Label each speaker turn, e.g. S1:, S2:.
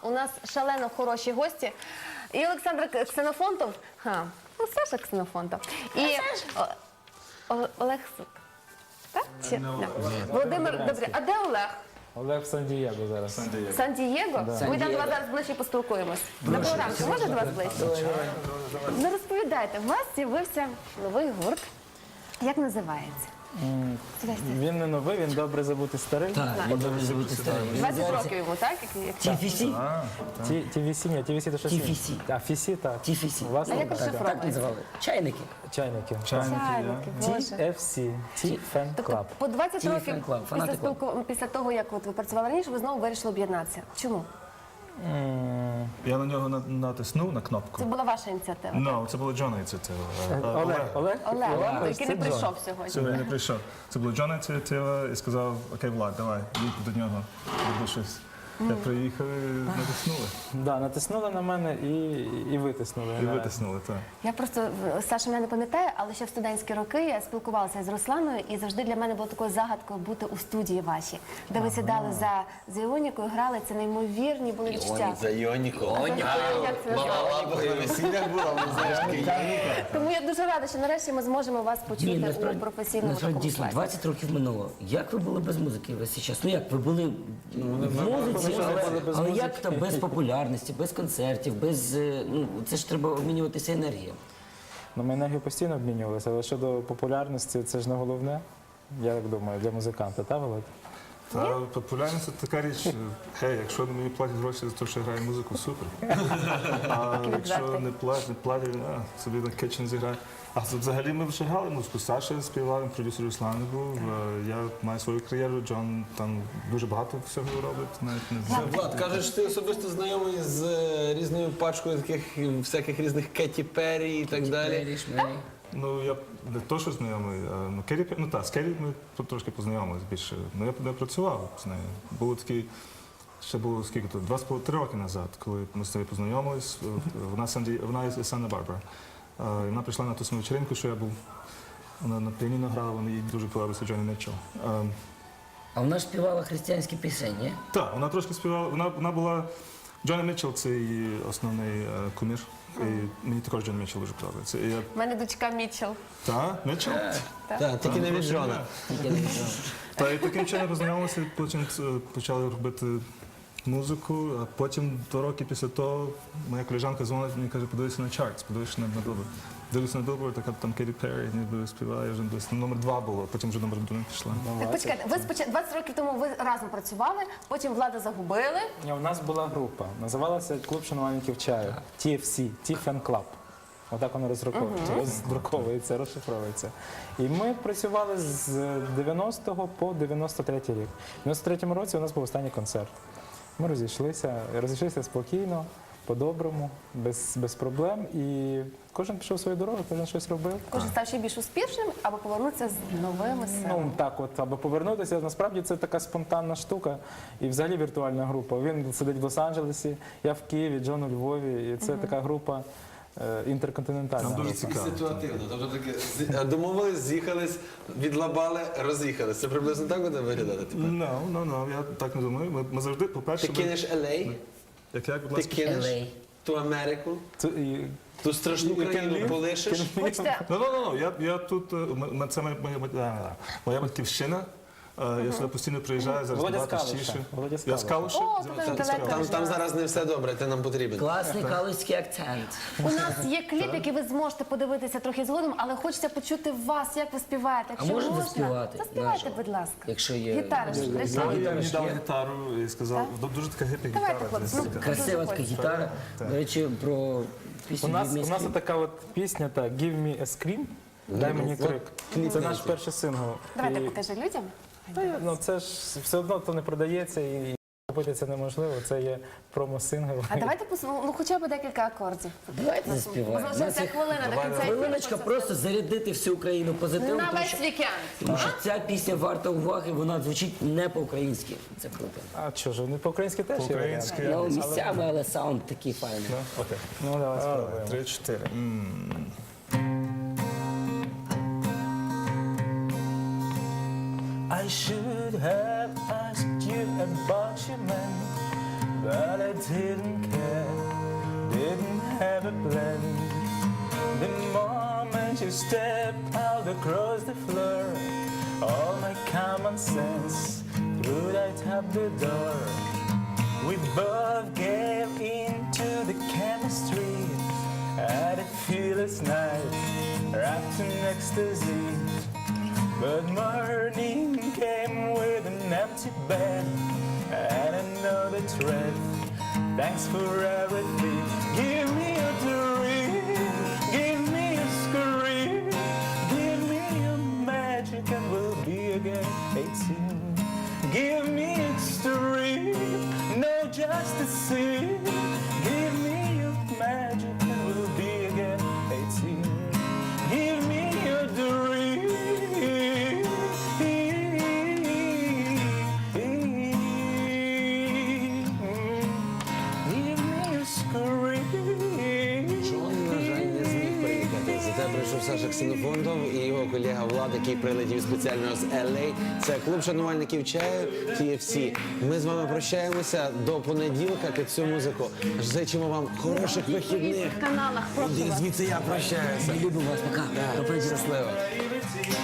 S1: у нас шалено хороші гості. І Олександр Ксенофонтов, ну Саша Ксенофонтов, і Олег Сук. Так? Чи? Да. Володимир, добре, а де Олег?
S2: Олег в Сан-Дієго зараз.
S1: Сан-Дієго? Ми там до вас зараз ближче поспілкуємось. Доброго ранку, може до вас ближче? Ну розповідайте, у вас з'явився новий гурт. Як називається?
S2: Він не новий, він добре забути старий.
S3: Так, він добре забути старий.
S1: 20 років йому, так?
S3: TFC?
S2: TVC, ні, TVC то щось інше.
S3: TFC.
S2: А, Фісі, так.
S3: TFC.
S2: Власне,
S1: А як
S2: так.
S1: розшифровується?
S3: Так називали. Чайники.
S2: Чайники.
S1: Чайники, Боже.
S2: TFC, T-Fan
S1: Тобто
S2: Club.
S1: по 20
S3: Ті
S1: років
S3: фан-клуб, фанати
S1: після того, як от ви працювали раніше, ви знову вирішили об'єднатися. Чому?
S4: Я на нього натиснув на
S1: Це
S4: кнопку.
S1: була ваша ініціатива?
S4: Ну, це була Джона ініціатива.
S2: Олег,
S1: Олег, який не
S2: це
S1: прийшов
S2: Джон.
S1: сьогодні.
S4: Сьогодні не прийшов. Це була Джона ініціатива і сказав, окей, Влад, давай, їдь до нього, роби щось. Я приїхав і натиснули.
S2: Да, натиснули на мене і витиснули.
S4: І витиснули, так.
S1: Я просто, Саша мене не пам'ятає, але ще в студентські роки я спілкувалася з Русланою, і завжди для мене було такою загадкою бути у студії вашій, де ви сідали за Іонікою, грали, це неймовірні були відчуття.
S5: За Іоніку.
S1: Як це називається?
S5: На весіллях була, але знаєш,
S1: Тому я дуже рада, що нарешті ми зможемо вас почути у професійному
S3: насправді
S1: такому
S3: дійсно,
S1: класі.
S3: 20 років минуло. Як ви були без музики весь цей час? Ну як, ви були в музиці, але як там без популярності, без концертів, без, ну, це ж треба обмінюватися енергією.
S2: Ну, ми енергію постійно обмінювалися, але щодо популярності, це ж не головне, я так думаю, для музиканта, так, Володь?
S4: Та популярність це така річ, гей, якщо мені платять гроші за те, що я граю музику, супер. А якщо не платять, собі на кетчен зіграю. А взагалі ми вже грали музику. Саша співав, продюсер Руслан був. Я маю свою кар'єру, Джон там дуже багато всього робить. Навіть не знаю.
S5: Влад, кажеш, ти особисто знайомий з різною пачкою таких всяких різних Кеті Перрі і так далі.
S4: Ну, я не то, що знайомий, ну, Керрі, ну так, з Керрі ми трошки познайомилися більше. Ну, я не працював з нею. Було такі, ще було скільки то, 2,5 роки назад, коли ми з нею познайомились. Вона із Санта-Барбара. Вона прийшла на ту саму вечеринку, що я був. Вона на піаніно грала, вона їй дуже подобався Джоні Мітчелл.
S3: А вона ж співала християнські пісені.
S4: Так, вона трошки співала, вона була, Джоні Мітчелл це її основний кумір. І мені також Джон Мітчелл дуже подобається.
S1: У мене дочка Мітчелл.
S4: Так, Мітчелл?
S5: Так, тільки не від Джона.
S4: Та і таким чином познайомилися, потім почали робити музику, а потім 2 роки після того моя колежанка дзвонить мені і каже, подивися на чартс, подивися на Billboard. Дивлюся на Billboard, така там Кеті Перрі, ніби співає, вже десь номер 2 було, потім вже номер 1 пішла.
S1: Так, почекайте, ви 20 років тому ви разом працювали, потім Влада загубили.
S2: У нас була група, називалася «Клуб шанувальників чаю», TFC, T-Fan Club. Отак воно роздруковується, розшифровується. І ми працювали з 90-го по 93-й рік. В 93-му році у нас був останній концерт. Ми розійшлися спокійно, по-доброму, без проблем. І кожен пішов свою дорогу, кожен щось робив.
S1: Кожен став ще більш успішним, або повернутися з новими силами.
S2: Ну так от, аби повернутися, насправді це така спонтанна штука і взагалі віртуальна група. Він сидить в Лос-Анджелесі, я в Києві, Джон у Львові, і це така група інтерконтинентальна.
S4: Там дуже
S2: група.
S4: цікаво.
S5: Ситуативно. Тобто таке домовились, з'їхались, відлабали, роз'їхались. Це приблизно так буде виглядати тепер?
S4: Ну, я так не думаю. Ми завжди, по-перше,
S5: Ти кинеш LA,
S4: як, будь
S5: ти
S4: ласка.
S5: кинеш
S3: LA.
S5: ту Америку, ту страшну країну полишиш.
S1: Хочете,
S4: Я тут, це моя батьківщина. Я сюди постійно приїжджаю, зараз
S2: Володя
S4: набагато
S2: Скалуша.
S4: частіше.
S2: Володя
S4: Я
S2: Скалуша.
S4: з Калуша.
S1: О, то там далеко.
S5: Там зараз не все добре, ти нам потрібен.
S3: Класний калузький акцент.
S1: У нас є кліп, який ви зможете подивитися трохи згодом, але хочеться почути вас, як ви співаєте.
S3: А
S1: Якщо
S3: можете
S1: можна,
S3: заспівати?
S1: заспівайте, будь ласка.
S3: Якщо є-
S1: Гітара ж
S4: Він
S1: лежить.
S4: мені дав гітару і сказав, дуже така гіпі
S1: Давайте,
S4: гітара.
S1: хлопці, ну,
S3: Красива така гітара. До речі, про пісню
S2: У нас
S3: «Відміський».
S2: така от пісня, так, «Give me a scream», «Дай мені крик». Це наш перший сингл.
S1: Давайте
S2: І-
S1: покажи людям.
S2: Ну це ж все одно то не продається і купити це неможливо. Це є промо-сингл.
S1: А давайте ну хоча б декілька акордів.
S3: Давайте заспіваємо.
S1: Залишилася хвилина до кінця.
S3: Хвилиночка, просто зарядити всю Україну позитивом,
S1: На
S3: тому
S1: весь
S3: що,
S1: вікенд.
S3: тому що ця пісня варта уваги, вона звучить не по-українськи. Це круто.
S2: А що ж, не по-українськи теж є варіант?
S4: По-українськи.
S3: Ну, місцями, але саунд такий файний.
S4: Окей.
S2: Ну, давай спробуємо.
S4: 3-4.
S2: I should have asked you about your man, but I didn't care, didn't have a plan. The moment you stepped out across the floor, all my common sense threw right out the door. We both gave into the chemistry at a fearless night, wrapped in ecstasy. But morning came with an empty bed and another threat. Thanks for everything. Give me a dream, give me a scream, give me a magic and we'll be again 18. Give me extreme, no just to see. Give me a magic and we'll be again 18. Give me a dream. Give me a scream.
S5: Джон, на жаль, не зміг приїхати. Зате прийшов Саша Ксенофонтов і його колега Влад, який прилетів спеціально з LA. Це клуб шанувальників чаю TFC. Ми з вами прощаємося до понеділка під цю музику. Зичимо вам хороших вихідних.
S1: В каналах, прошу
S5: Іди
S1: вас.
S5: звідси, я прощаюся.
S3: Любимо вас, пока. До понеділка.
S5: Щасливо.